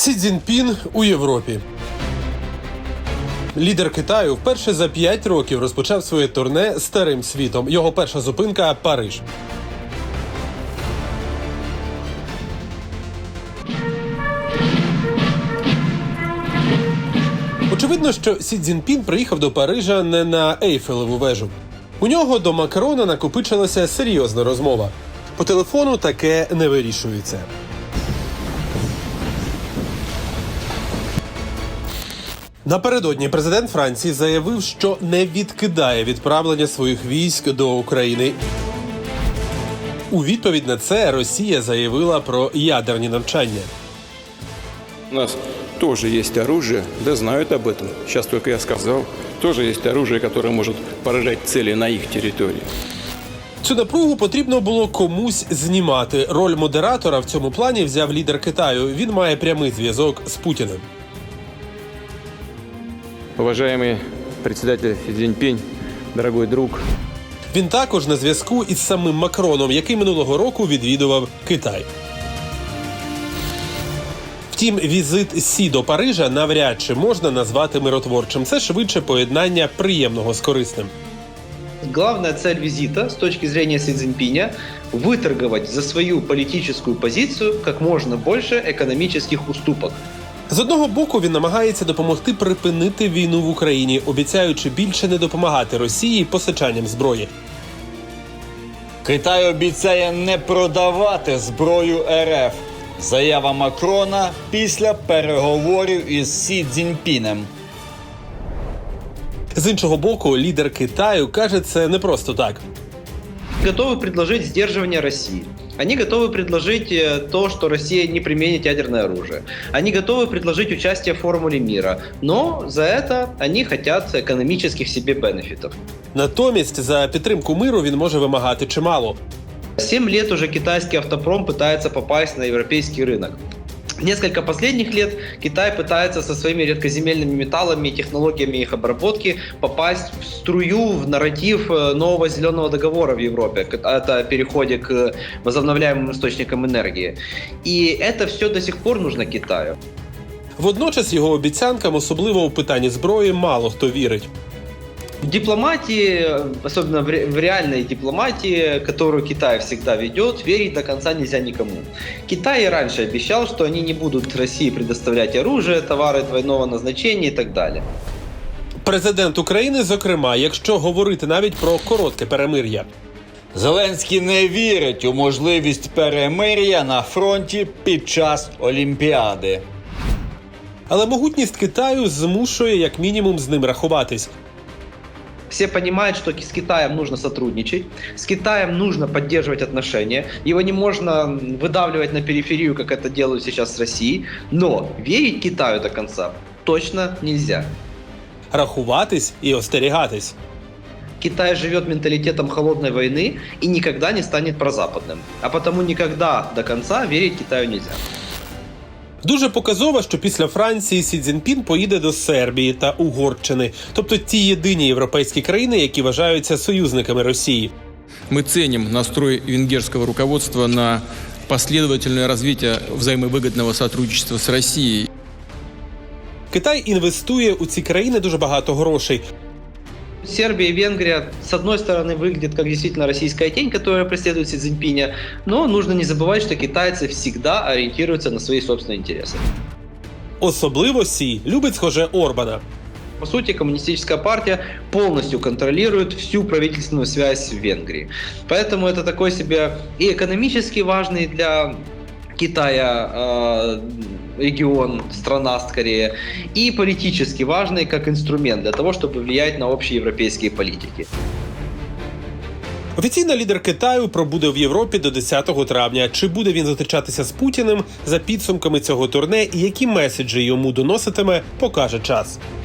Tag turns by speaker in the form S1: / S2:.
S1: Сі Цзіньпін у Європі. Лідер Китаю вперше за 5 років розпочав своє турне старим світом. Його перша зупинка – Париж. Очевидно, що Сі Цзіньпін приїхав до Парижа не на Ейфелеву вежу. У нього до Макрона накопичилася серйозна розмова. По телефону таке не вирішується. Напередодні президент Франції заявив, що не відкидає відправлення своїх військ до України. У відповідь на це Росія заявила про ядерні навчання.
S2: У нас тоже есть оружие, да знают об этом. Сейчас только я сказал. Тоже есть оружие, которое может поражать цели на их территории.
S1: Цю напругу потрібно було комусь знімати. Роль модератора в цьому плані взяв лідер Китаю. Він має прямий зв'язок з Путіним.
S2: Уважаемый председатель Си Цзиньпинь, дорогой друг.
S1: Він також на зв'язку із самим Макроном, який минулого року відвідував Китай. Втім, візит Сі до Парижа навряд чи можна назвати миротворчим. Це швидше поєднання приємного з корисним.
S3: Главная цель визита с точки зрения Си Цзиньпиня – выторговать за свою политическую позицию как можно больше экономических уступок.
S1: З одного боку, він намагається допомогти припинити війну в Україні, обіцяючи більше не допомагати Росії постачанням зброї.
S4: Китай обіцяє не продавати зброю РФ. Заява Макрона після переговорів із Сі Цзіньпінем.
S1: З іншого боку, лідер Китаю каже це не просто так.
S3: Готовы предложить сдерживание России. Они готовы предложить то, что Россия не применит ядерное оружие. Они готовы предложить участие в формуле мира. Но за это они хотят экономических себе бенефитов.
S1: Натомість за підтримку миру він може вимагати чимало.
S3: 7 лет уже китайский автопром пытается попасть на европейский рынок. Несколько последних лет Китай пытается со своими редкоземельными металлами и технологиями их обработки попасть в струю, в нарратив нового зеленого договора в Европе. Это о переходе к возобновляемым источникам энергии. И это все до сих пор нужно Китаю.
S1: Водночас його обіцянкам, особливо у питанні зброї, мало хто вірить.
S3: В дипломатии, особенно в реальной дипломатии, которую Китай всегда ведет, верить до конца нельзя никому. Китай и раньше обещал, что они не будут России предоставлять оружие, товары двойного назначения и так далее.
S1: Президент України, зокрема, якщо говорити навіть про коротке перемир'я.
S4: Зеленський не вірить у можливість перемир'я на фронті під час Олімпіади.
S1: Але могутність Китаю змушує як мінімум з ним рахуватись.
S3: Все понимают, что с Китаем нужно сотрудничать, с Китаем нужно поддерживать отношения, его не можно выдавливать на периферию, как это делают сейчас с Россией, но верить Китаю до конца точно нельзя.
S1: Рахуватись і остерігатись.
S3: Китай живет менталитетом холодной войны и никогда не станет прозападным, а потому никогда до конца верить Китаю нельзя.
S1: Дуже показово, що після Франції Сі Цзіньпін поїде до Сербії та Угорщини, тобто ті єдині європейські країни, які вважаються союзниками Росії.
S5: Мы ценим настрой венгерского руководства на последовательное развитие взаимовыгодного сотрудничества с Россией.
S1: Китай інвестує у ці країни дуже багато грошей.
S3: Сербия и Венгрия, с одной стороны, выглядят как действительно российская тень, которая преследует Си Цзиньпиня, но нужно не забывать, что китайцы всегда ориентируются на свои собственные интересы.
S1: Особливо Сі любить, схоже, Орбана.
S3: По сути, коммунистическая партия полностью контролирует всю правительственную связь в Венгрии. Поэтому это такой себе и экономически важный для Китая регион, страна скорее, и политически важный как инструмент для того, чтобы влиять на общеевропейские политики.
S1: Офіційно лідер Китаю пробуде в Європі до 10 травня. Чи буде він зустрічатися з Путіним за підсумками цього турне і які меседжі йому доноситиме, покаже час.